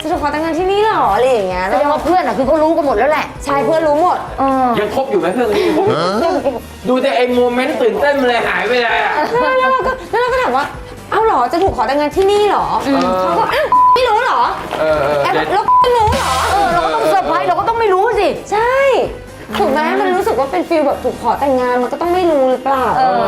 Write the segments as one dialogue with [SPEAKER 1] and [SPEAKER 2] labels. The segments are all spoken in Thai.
[SPEAKER 1] จะถูกขอแต่งงานที่นี่เหรออะไรอย่างเงี้ย
[SPEAKER 2] แสดงว่าเพื่อนคือเขารู้กันหมดแล้วแหละ
[SPEAKER 1] ใช่เพื่อนรู้หมด
[SPEAKER 3] ยังคบอยู่ไหมเพื่อนคนนี้ดูแต่ไอ้โมเมนต์ตื่นเต้นมันเลยหายไปเลยอะ
[SPEAKER 1] แล้วเราก็ถามว่าเอ้าเหรอจะถูกขอแต่งงานที่นี่เหรอเขาก็อ้าวไม่รู้เหรอแล้วไม่รู้เหรอ
[SPEAKER 2] เราก็ต้องเซอร์ไพรส์เราก็ต้องไม่รู้สิ
[SPEAKER 1] ใช่ถูกไหมมันรู้สึกว่าเป็นฟีลแบบถูกขอแต่งงานมันก็ต้องไม่รู้หรือเปล่า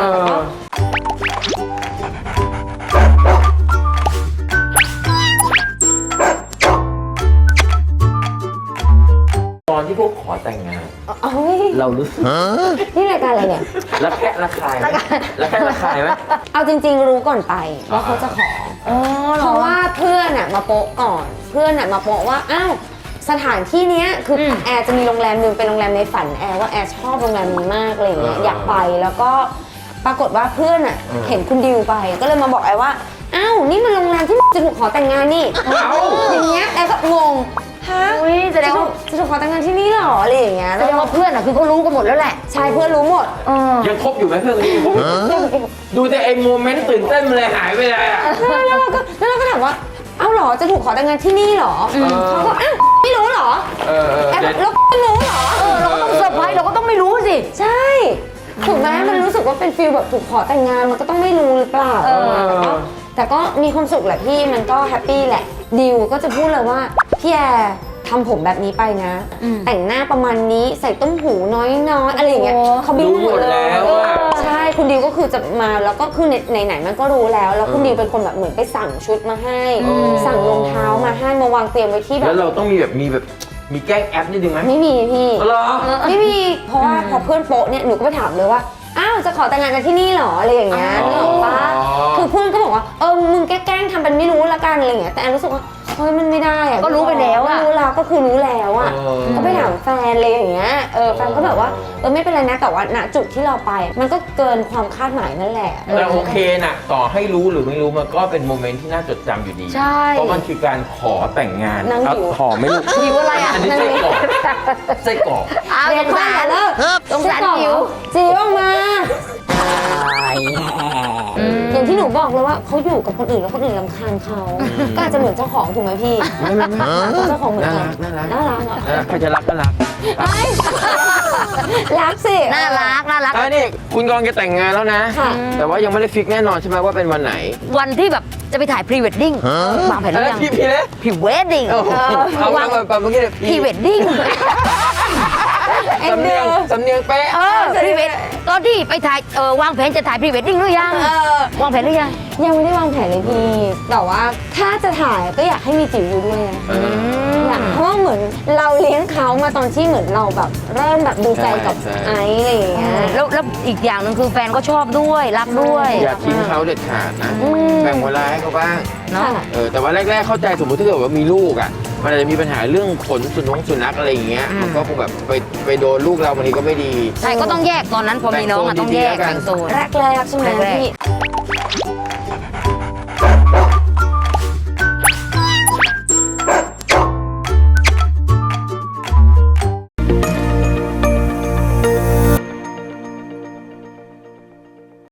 [SPEAKER 3] ตอนที่พวกขอแต่งงานเรารู้สึก
[SPEAKER 1] นี่รายการอะไรเนี่ย
[SPEAKER 3] ระแคะระคายไหม
[SPEAKER 1] เอาจริงๆรู้ก่อนไปว่าเขาจะขอเพราะว่าเพื่อนมาโปะก่อนเพื่อนมาโปะว่าอ้าวสถานที่นี้คือแอร์จะมีโรงแรมนึงเป็นโรงแรมในฝันแอร์ว่าแอร์ชอบโรงแรมนี้มากอะไรอย่างเงี้ยอยากไปแล้วก็ปรากฏว่าเพื่อนเห็นคุณดิวไปก็เลยมาบอกแอร์ว่าอ้าวนี่มันโรงแรมที่จะถูกขอแต่งงานนี่อย่างเงี้ยแอร์ก็งงฮะ
[SPEAKER 2] แสดงว่า
[SPEAKER 1] จะถูกขอแต่งงานที่นี่เหรออะไรอย่างเงี้ย
[SPEAKER 2] แสดงว่าเพื่อนคือเขารู้กันหมดแล้วแหละ
[SPEAKER 1] ใช่เพื่อนรู้หมด
[SPEAKER 3] ยังคบอยู่ไหมเพื่อนคนนี้ดูแต่ไอ้โมเมนต์ตื่นเต้นมันเลยหายไปเลยอะ
[SPEAKER 1] แล้วเราก็ถามว่าเอ้าเหรอจะถูกขอแต่งงานที่นี่เหรอเขาก็อ้าวไม่รู้เหรอแล้วไม่รู้เหรอ
[SPEAKER 2] เราก็ต้องเซอร์ไพรส์เราก็ต้องไม่รู้สิ
[SPEAKER 1] ใช่ถูกไหมมันรู้สึกว่าเป็นฟีลแบบถูกขอแต่งงานมันก็ต้องไม่รู้หรือเปล่าแต่ก็มีความสุขแหละพี่มันก็แฮปปี้แหละดิวก็จะพูดเลยว่าพี่แอร์ทำผมแบบนี้ไปนะแต่งหน้าประมาณนี้ใส่ต้มหูน้อยๆอะไรอย่างเงี้ยเขาบิ้วหมดแล้วใช่คุณดิวก็คือจะมาแล้วก็คือไหนมันก็รู้แล้วคุณดิวเป็นคนแบบเหมือนไปสั่งชุดมาให้สั่งรองเท้ามาให้มาวางเตรียมไว้ที่แบบ
[SPEAKER 3] แล้วเราต้องมีแกล้งแอปนิดนึงไหม
[SPEAKER 1] ไม่มีพี่
[SPEAKER 3] เหรอ
[SPEAKER 1] ไม่มีเพราะว่าพอเพื่อนโป๊ะเนี่ยหนูก็ไปถามเลยว่าอ้าวจะขอแต่งงานกันที่นี่เหรออะไรอย่างเงี้ยนึกออกปะคือเพื่อนก็บอกว่ามึงแกล้งทำเป็นไม่รู้ละกันอะไรอย่างเงี้ยแต่แอนรู้สึกว่าเฮ้ยมันไม่ได้อะ
[SPEAKER 2] ก็รู้ไปแล้วอะ
[SPEAKER 1] รู้แล้วก็คือรู้แล้วอะก็ไปถามแฟนเลยอย่างเงี้ยแฟนก็แบบว่าไม่เป็นไรนะแต่ว่าณจุดที่เราไปมันก็เกินความคาดหมายนั่นแหละ
[SPEAKER 3] แต่โอเคนะต่อให้รู้หรือไม่รู้มันก็เป็นโมเมนต์ที่น่าจดจำอยู่ดี
[SPEAKER 2] ใช่
[SPEAKER 3] เพราะมันคือการขอแต่งงานขอไม่รู้
[SPEAKER 2] หิวอะไรอ่ะ
[SPEAKER 3] อันนี้ไส้กรอก
[SPEAKER 1] เดี๋ยวข้าเลิก
[SPEAKER 2] สงสารหิว
[SPEAKER 1] จีออกมาอย่างที่หนูบอกเลยว่าเขาอยู่กับคนอื่นแล้วคนอื่นรำคาญเขาก็อาจจะเหมือนเจ้าของถูกไหมพี่เจ้าของเหมือนกันน่ารักเหรอ
[SPEAKER 3] ใครจะรักก็รัก
[SPEAKER 1] รักสิ
[SPEAKER 2] น่ารัก
[SPEAKER 3] นี่คุณกำลังจะแต่งงานแล้วนะแต่ว่ายังไม่ได้ฟิกแน่นอนใช่ไหมว่าเป็นวันไหน
[SPEAKER 2] วันที่แบบจะไปถ่ายพรีเวดดิ้งวางแผนหรือยังพรีเวดดิ้ง
[SPEAKER 3] วางแบบเมื่อกี้
[SPEAKER 2] พรีเวดดิ้ง
[SPEAKER 3] สำเนียงเป๊ะ
[SPEAKER 2] พรีเวดตอนที่ไปถ่ายวางแผนจะถ่ายพรีเวดดิ้งหรือยังวางแผนหรือยัง
[SPEAKER 1] ยังไม่ได้วางแผนเลยพี่แต่ว่าถ้าจะถ่ายก็อยากให้มีจิ๋วอยู่ด้วยนะอยากเพราะเหมือนเราเลี้ยงเขามาตอนที่เหมือนเราแบบเริ่มแบบดูใจกับไอซ์อะไรอย่างเงี้ย
[SPEAKER 2] แล้วอีกอย่างนึงคือแฟนก็ชอบด้วยรักด้วย
[SPEAKER 3] อย่าทิ้งเขาเด็ดขาดนะแบ่งเวลาให้เขาบ้าง
[SPEAKER 2] เนาะ
[SPEAKER 3] แต่ว่าแรกๆเข้าใจสมมติถ้าเกิดว่ามีลูกอ่ะมันอาจจะมีปัญหาเรื่องขนสุนัขอะไรอย่างเงี้ยมันก็คงแบบไปโดนลูกเราบางทีก็ไม่ดี
[SPEAKER 2] ใช่ก็ต้องแยกตอนนั้นพอมีน้องต้องแยกแบ่งโซน
[SPEAKER 1] แรกใช่ไหมพี่